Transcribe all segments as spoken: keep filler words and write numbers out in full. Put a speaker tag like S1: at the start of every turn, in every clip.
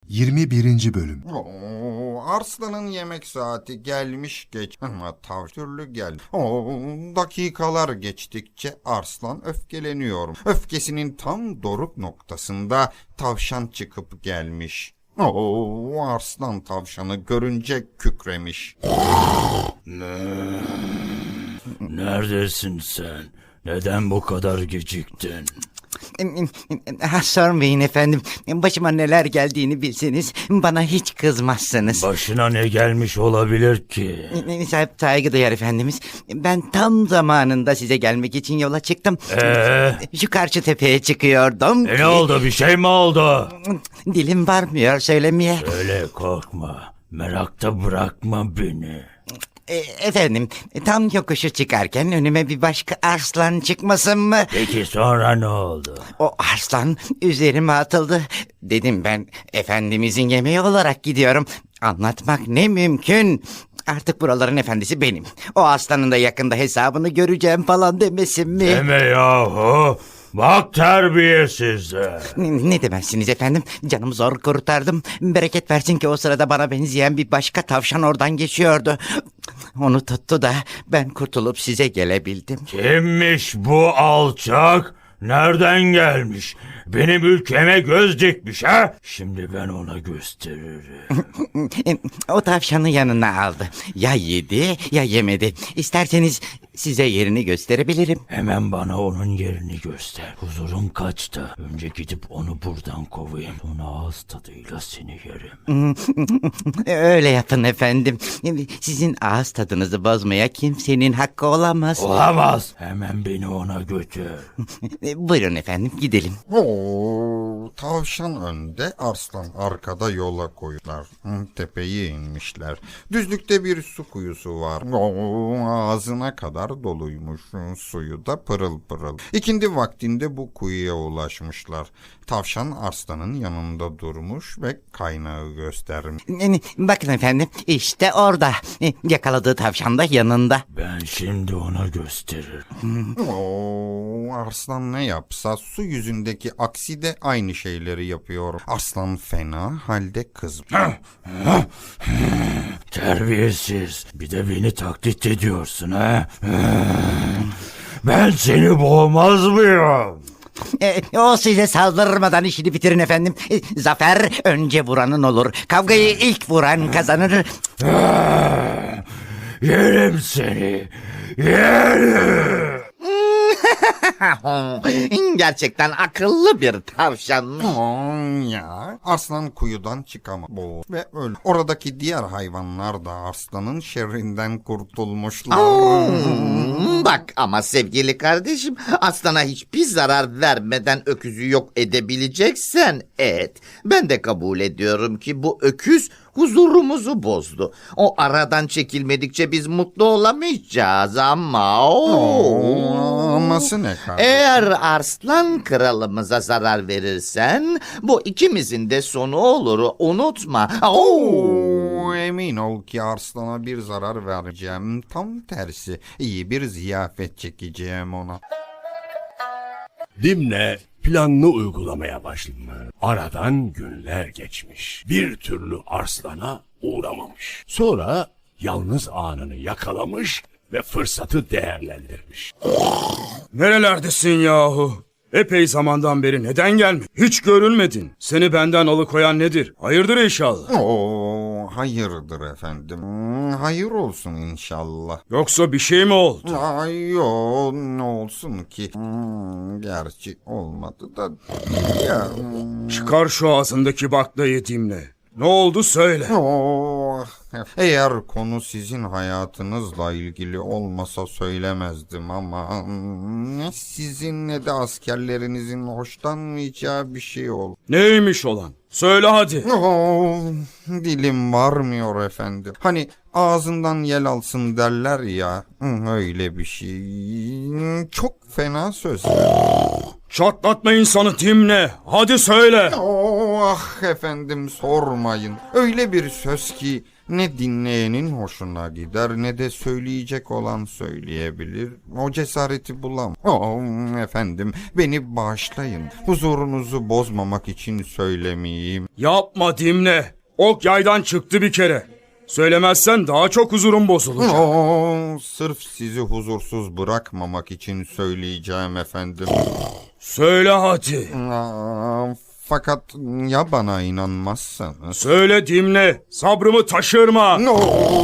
S1: yirmi birinci Bölüm.
S2: Oo, Arslan'ın yemek saati gelmiş geç ama tavş türlü gel. Oo, dakikalar geçtikçe Arslan öfkeleniyor. Öfkesinin tam doruk noktasında tavşan çıkıp gelmiş. Oo, Arslan tavşanı görünce kükremiş.
S3: Neredesin sen? Neden bu kadar geciktin?
S4: Ha, sormayın efendim. Başıma neler geldiğini bilseniz bana hiç kızmazsınız.
S3: Başına ne gelmiş olabilir ki?
S4: Sahip saygı duyar efendimiz. Ben tam zamanında size gelmek için yola çıktım.
S3: Ee?
S4: Şu karşı tepeye çıkıyordum.
S3: E ne oldu? Bir şey mi oldu?
S4: Dilim varmıyor söylemeye.
S3: Söyle, korkma. Merakta bırakma beni.
S4: E, efendim tam yokuşu çıkarken önüme bir başka arslan çıkmasın mı?
S3: Peki sonra ne oldu?
S4: O arslan üzerime atıldı. Dedim ben efendimizin yemeği olarak gidiyorum. Anlatmak ne mümkün. Artık buraların efendisi benim. O aslanın da yakında hesabını göreceğim falan demesin mi?
S3: Deme yahu. Bak terbiyesizler.
S4: Ne, ne demezsiniz efendim? Canımı zor kurtardım. Bereket versin ki o sırada bana benzeyen bir başka tavşan oradan geçiyordu. Onu tuttu da ben kurtulup size gelebildim.
S3: Kimmiş bu alçak? Nereden gelmiş? Benim ülkeme göz dikmiş ha? Şimdi ben ona gösteririm.
S4: O tavşanı yanına aldı. Ya yedi ya yemedi. İsterseniz size yerini gösterebilirim.
S3: Hemen bana onun yerini göster. Huzurum kaçta. Önce gidip onu buradan kovayım. Sonra ağız tadıyla seni yerim.
S4: Öyle yapın efendim. Sizin ağız tadınızı bozmaya kimsenin hakkı olamaz.
S3: Olamaz. Hemen beni ona götür.
S4: Buyurun efendim gidelim.
S2: Oo, tavşan önde, Arslan arkada yola koyular. Hı, tepeye inmişler. Düzlükte bir su kuyusu var. Oo, ağzına kadar doluymuş. Suyu da pırıl pırıl. İkindi vaktinde bu kuyuya ulaşmışlar. Tavşan Arslan'ın yanında durmuş ve kaynağı göstermiş.
S4: Bakın efendim işte orada. Yakaladığı tavşan da yanında.
S3: Ben şimdi ona gösteririm.
S2: Oo, Arslan ne yapsa su yüzündeki aksi de aynı şeyleri yapıyor. Arslan fena halde kızmış.
S3: Terbiyesiz. Bir de beni taklit ediyorsun ha? Ben seni boğmaz mıyım?
S4: E, o size saldırmadan işini bitirin efendim. E, zafer önce vuranın olur. Kavgayı ilk vuran kazanır.
S3: Yerim seni. Yerim.
S4: Gerçekten akıllı bir tavşan.
S2: Aman ya. Arslan kuyudan çıkamaz. Boğul ve öl. Oradaki diğer hayvanlar da Arslan'ın şerrinden kurtulmuşlar.
S5: Hmm, bak ama sevgili kardeşim, aslana hiçbir zarar vermeden öküzü yok edebileceksen et. Ben de kabul ediyorum ki bu öküz huzurumuzu bozdu. O aradan çekilmedikçe biz mutlu olamayacağız ama...
S2: Oo, aması ne kardeşim?
S5: Eğer Arslan kralımıza zarar verirsen bu ikimizin de sonu olur, unutma.
S2: Oo, emin ol ki Arslan'a bir zarar vereceğim. Tam tersi iyi bir ziyafet çekeceğim ona.
S6: Dimne planını uygulamaya başladı. Aradan günler geçmiş. Bir türlü Arslan'a uğramamış. Sonra yalnız anını yakalamış ve fırsatı değerlendirmiş.
S7: Nerelerdesin yahu? Epey zamandan beri neden gelmedin? Hiç görülmedin. Seni benden alıkoyan nedir? Hayırdır inşallah.
S2: Oo, hayırdır efendim. Hayır olsun inşallah.
S7: Yoksa bir şey mi oldu?
S2: Ay yo, ne olsun ki? Hmm, gerçi olmadı da ya.
S7: Çıkar şu ağzındaki baklayı Dimle. Ne oldu söyle.
S2: Oh, eğer konu sizin hayatınızla ilgili olmasa söylemezdim ama ne sizin ne de askerlerinizin hoşlanmayacağı bir şey oldu.
S7: Neymiş olan? Söyle hadi.
S2: Oh, dilim varmıyor efendim. Hani ağzından yel alsın derler ya, öyle bir şey. Çok fena sözler.
S7: Çatlatma insanı Dimne. Hadi söyle.
S2: Oh, ah efendim sormayın. Öyle bir söz ki ne dinleyenin hoşuna gider ne de söyleyecek olan söyleyebilir. O cesareti bulam. Oh efendim beni bağışlayın. Huzurunuzu bozmamak için söylemeyeyim.
S7: Yapma Dimne. Ok yaydan çıktı bir kere. Söylemezsen daha çok huzurum bozulacak.
S2: Oh, sırf sizi huzursuz bırakmamak için söyleyeceğim efendim.
S7: Söyle hadi.
S2: Aa, fakat ya bana inanmazsanız?
S7: Söyle Dimne. Sabrımı taşırma.
S2: No,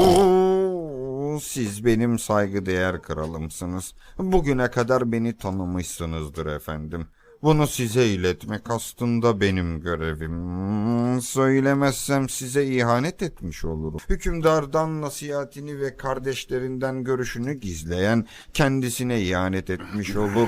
S2: siz benim saygıdeğer kralımsınız. Bugüne kadar beni tanımışsınızdır efendim. Bunu size iletmek aslında benim görevim. Söylemezsem size ihanet etmiş olurum. Hükümdardan nasihatini ve kardeşlerinden görüşünü gizleyen kendisine ihanet etmiş olur.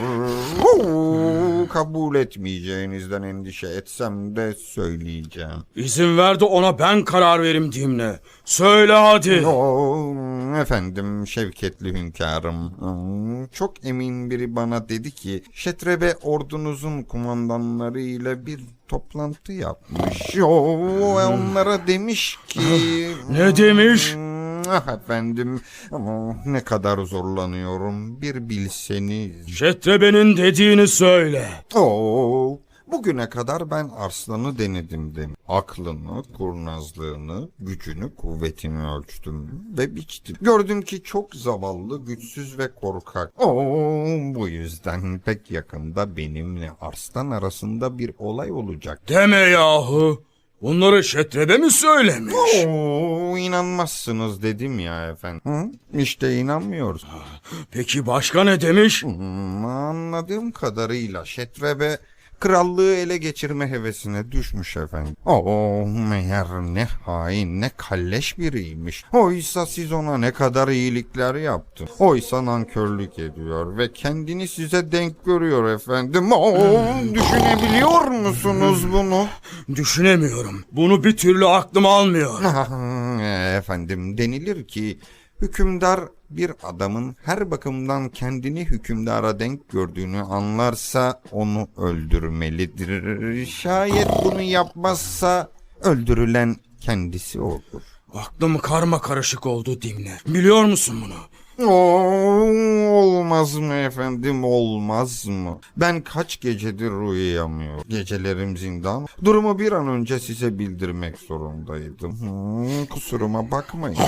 S2: Oo, kabul etmeyeceğinizden endişe etsem de söyleyeceğim.
S7: İzin ver de ona ben karar verim Dimne. Söyle hadi.
S2: Oo, efendim şevketli hünkârım. Çok emin biri bana dedi ki Şetrebe ordunuzun kumandanları ile bir toplantı yapmış. Oo, onlara demiş ki...
S7: Ne demiş?
S2: Ah efendim ama ne kadar zorlanıyorum bir bilseniz.
S7: Şetrebe'nin dediğini söyle.
S2: Oo, bugüne kadar ben arslanı denedim demiş. Aklını, kurnazlığını, gücünü, kuvvetini ölçtüm ve biçtim. Gördüm ki çok zavallı, güçsüz ve korkak. Oo, bu yüzden pek yakında benimle arslan arasında bir olay olacak.
S7: Deme yahu. Bunları Şetrebe mi söylemiş?
S2: Oo, inanmazsınız dedim ya efendim. Hı? İşte inanmıyoruz.
S7: Peki başka ne demiş?
S2: Hmm, anladığım kadarıyla Şetrebe krallığı ele geçirme hevesine düşmüş efendim. Oo, meğer ne hain ne kalleş biriymiş. Oysa siz ona ne kadar iyilikler yaptınız. Oysa nankörlük ediyor ve kendini size denk görüyor efendim. Oo, düşünebiliyor musunuz bunu?
S7: Düşünemiyorum. Bunu bir türlü aklım almıyor.
S2: Efendim denilir ki hükümdar bir adamın her bakımdan kendini hükümdara denk gördüğünü anlarsa onu öldürmelidir. Şayet bunu yapmazsa öldürülen kendisi olur.
S7: Aklım karma karışık oldu Dimne. Biliyor musun bunu?
S2: Oo, olmaz mı efendim olmaz mı? Ben kaç gecedir uyuyamıyorum. Gecelerim zindan. Durumu bir an önce size bildirmek zorundaydım. Hmm, kusuruma bakmayın.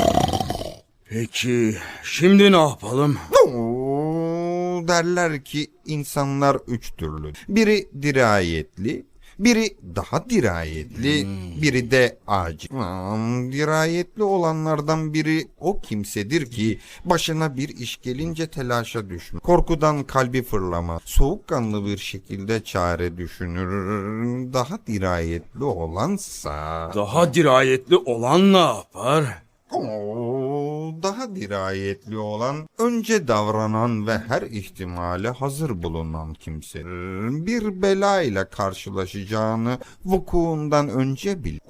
S7: Peki şimdi ne yapalım?
S2: Oo, derler ki insanlar üç türlü. Biri dirayetli, biri daha dirayetli, biri de acil. Hmm, dirayetli olanlardan biri o kimsedir ki başına bir iş gelince telaşa düşmez. Korkudan kalbi fırlamaz. Soğukkanlı bir şekilde çare düşünür. Daha dirayetli olansa...
S7: Daha dirayetli olan ne yapar?
S2: Oo, daha dirayetli olan, önce davranan ve her ihtimale hazır bulunan kimsedir. Bir bela ile karşılaşacağını vukuundan önce bilir.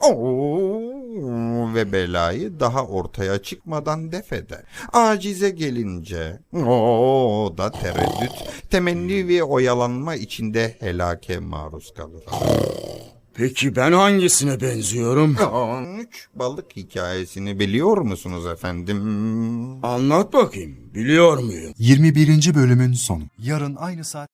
S2: Oo, ve belayı daha ortaya çıkmadan def eder. Acize gelince o da tereddüt, temenni ve oyalanma içinde helake maruz kalır.
S7: Peki ben hangisine benziyorum?
S2: Üç balık hikayesini biliyor musunuz efendim?
S7: Anlat bakayım. Biliyor muyum?
S1: yirmi birinci bölümün sonu. Yarın aynı saat